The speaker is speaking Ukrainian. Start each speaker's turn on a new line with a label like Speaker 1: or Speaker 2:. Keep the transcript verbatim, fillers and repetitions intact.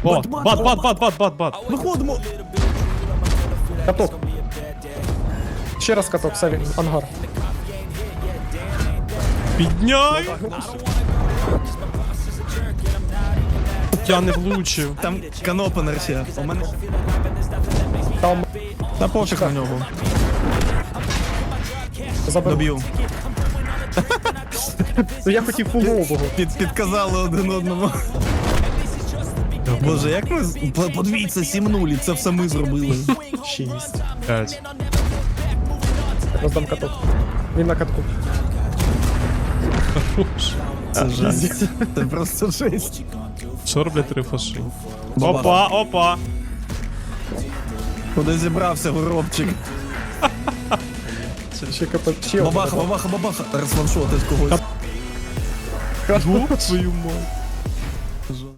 Speaker 1: О, бат, бат, бат, бат, бат, бат.
Speaker 2: Виходимо.
Speaker 3: Каток. Ще раз каток, Саві, ангар.
Speaker 1: Підняй! Я не влучив.
Speaker 2: Там канопенер ще. У мене...
Speaker 3: Там
Speaker 2: Та пофіг на нього.
Speaker 3: забив.
Speaker 2: Доб'ю.
Speaker 3: Ну я хотів фулового.
Speaker 2: Під, підказали один одному. Боже, як ми... з- по- Подивіться, сім нуль, і це все ми зробили.
Speaker 3: Шість.
Speaker 1: П'ять.
Speaker 3: Роздам каток. Він на катку.
Speaker 2: Це жесть. Це просто жесть.
Speaker 1: Що роблять три фаши?
Speaker 2: Баба.
Speaker 1: Опа, опа.
Speaker 2: Куди зібрався горобчик?
Speaker 3: Ще кп... Ще
Speaker 2: Бабаха,
Speaker 3: один.
Speaker 2: бабаха, бабаха. Розваншотить когось.
Speaker 1: Твою мать.